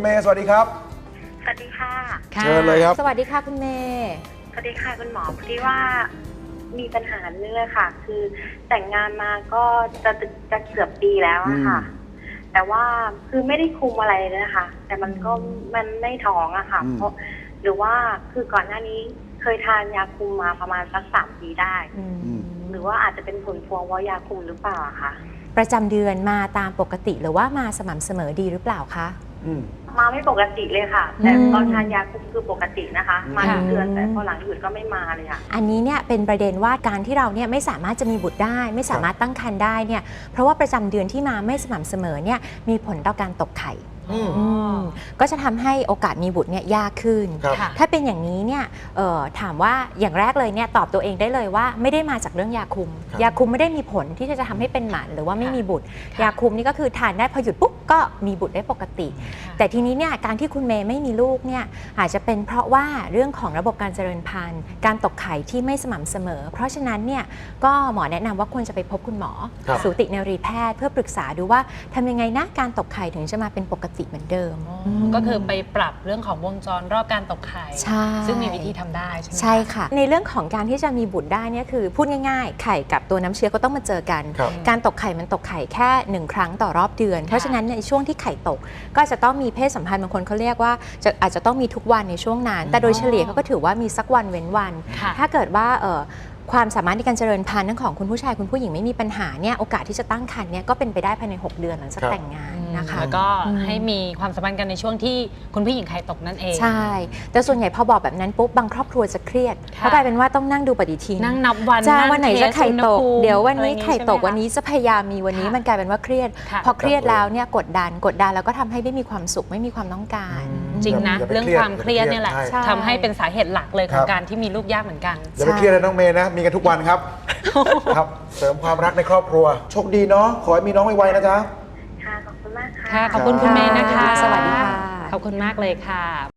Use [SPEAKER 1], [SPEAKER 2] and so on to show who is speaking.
[SPEAKER 1] เมย์สวัสดีครับ
[SPEAKER 2] สวัสดีค่ะ
[SPEAKER 1] เชิญเลยครับ
[SPEAKER 3] สวัสดีค่ะคุณเมย์
[SPEAKER 2] สวัสดีค่ะคุณหมอพอดีว่ามีปัญหาเรื่องค่ะ คือแต่งงานมาก็จะเกือบปีแล้วอะค่ะ แต่ว่าคือไม่ได้คุมอะไรเลยนะคะแต่มันไม่ท้องอะค่ะเพราะหรือว่าคือก่อนหน้านี้เคยทานยาคุมมาประมาณสัก3 ปีได้หรือว่าอาจจะเป็นผลพวงว่ายาคุมหรือเปล่าคะ
[SPEAKER 3] ประจำเดือนมาตามปกติหรือว่ามาสม่ำเสมอดีหรือเปล่าคะ
[SPEAKER 2] มาไม่ปกติเลยค่ะแต่ตอนทานยาคุมคือปกตินะคะมาทุกเดือนแต่พอหลังหยุดก็ไม่มาเลยค่ะ
[SPEAKER 3] อันนี้เนี่ยเป็นประเด็นว่าการที่เราเนี่ยไม่สามารถจะมีบุตรได้ไม่สามารถตั้งครรภ์ได้เนี่ยเพราะว่าประจำเดือนที่มาไม่สม่ำเสมอเนี่ยมีผลต่อการตกไข่ก็จะทำให้โอกาสมีบุตรเนี่ยยากขึ้นถ้าเป็นอย่างนี้เนี่ยถามว่าอย่างแรกเลยเนี่ยตอบตัวเองได้เลยว่าไม่ได้มาจากเรื่องยาคุมยาคุมไม่ได้มีผลที่จะทำให้เป็นหมันหรือว่าไม่มีบุตรยาคุมนี่ก็คือทานได้พอหยุดปุ๊บก็มีบุตรได้ปกติแต่ทีนี้เนี่ยการที่คุณเมย์ไม่มีลูกเนี่ยอาจจะเป็นเพราะว่าเรื่องของระบบการเจริญพันธุ์การตกไข่ที่ไม่สม่ำเสมอเพราะฉะนั้นเนี่ยก็หมอแนะนำว่าควรจะไปพบคุณหมอสูตินรีแพทย์เพื่อปรึกษาดูว่าทำยังไงนะการตกไข่ถึงจะมาเป็นปกติเหมือนเดิม
[SPEAKER 4] ก็คือไปปรับเรื่องของวงจรรอบการตกไข่ซึ่งมีวิธีทำได้ใช่ไหม
[SPEAKER 3] ใช่ค่ะในเรื่องของการที่จะมีบุตรได้เนี่ยคือพูดง่ายๆไข่กับตัวน้ำเชื้อก็ต้องมาเจอกันการตกไข่มันตกไข่แค่1 ครั้งต่อรอบเดือนเพราะฉะนั้นในช่วงที่ไข่ตกก็จะต้องมีเพศสัมพันธ์บางคนเขาเรียกว่าอาจจะต้องมีทุกวันในช่วงนั้นแต่โดยเฉลี่ยเขาก็ถือว่ามีสักวันเว้นวันถ้าเกิดว่าความสามารถในการเจริญพันธุ์ทั้งของคุณผู้ชายคุณผู้หญิงไม่มีปัญหาเนี่ยโอกาสที่จะตั้งครรภ์เนี่ยก็เป็นไปได้ภายใน6 เดือนหลังจากแต่งงานนะคะ
[SPEAKER 4] แล้วก็ให้มีความสัมพันธ์กันในช่วงที่คุณผู้หญิงไข่ตกนั่นเอง
[SPEAKER 3] ใช่แต่ส่วนใหญ่พอบอกแบบนั้นปุ๊บบางครอบครัวจะเครียดเพราะกลายเป็นว่าต้องนั่งดูปฏิทิน
[SPEAKER 4] นั่งนับวัน
[SPEAKER 3] จะวันไหนจะไข่ตกเดี๋ยววันนี้ไข่ตกวันนี้จะพยายามมีวันนี้มันกลายเป็นว่าเครียดพอเครียดแล้วเนี่ยกดดันแล้วก็ทำให้ไม่มีความสุขไม่มีความต้องการ
[SPEAKER 4] จริงนะเรื่องความเครียดเนี่ยแหละทำให้เป็นสาเหตุหลักเลยของการที่มีลูกยากเหมือนกัน
[SPEAKER 1] อย่าไปเครียดเลยน้องเมย์นะมีกันทุกวันครับครับเสริมความรักในครอบครัวโชคดีเนาะขอให้มีน้องไวๆนะจ๊ะ
[SPEAKER 2] ค่ะขอบคุณมากค่ะ
[SPEAKER 4] ขอบคุณคุณเมย์นะคะ
[SPEAKER 3] สวัสดีค่ะ
[SPEAKER 4] ขอบคุณมากเลยค่ะ